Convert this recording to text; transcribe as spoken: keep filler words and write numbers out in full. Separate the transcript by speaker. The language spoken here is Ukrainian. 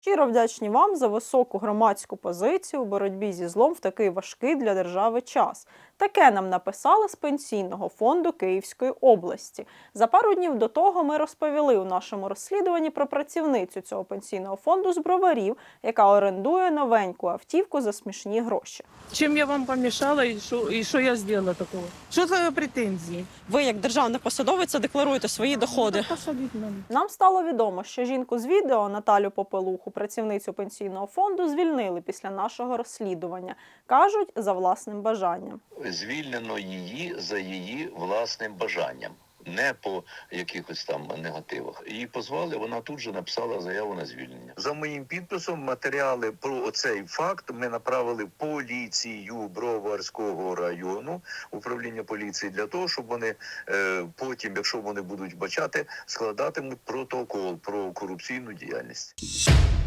Speaker 1: Щиро вдячні вам за високу громадську позицію у боротьбі зі злом в такий важкий для держави час. Таке нам написали з Пенсійного фонду Київської області. За пару днів до того ми розповіли у нашому розслідуванні про працівницю цього пенсійного фонду з Броварів, яка орендує новеньку автівку за смішні гроші.
Speaker 2: Чем я вам помешала и что, и что я сделала такого? Что за претензии?
Speaker 3: Ви, як державна посадовиця, декларуєте свої доходи.
Speaker 2: Посадить мене.
Speaker 1: Нам стало відомо, що жінку з відео, Наталю Попелуху, працівницю пенсійного фонду, звільнили після нашого розслідування. Кажуть, за власним бажанням.
Speaker 4: Звільнено її за її власним бажанням, не по якихось там негативах. Її позвали, вона тут же написала заяву на звільнення. За моїм підписом матеріали про оцей факт ми направили поліцію Броварського району, управління поліції, для того, щоб вони е, потім, якщо вони будуть бачати, складатимуть протокол про корупційну діяльність.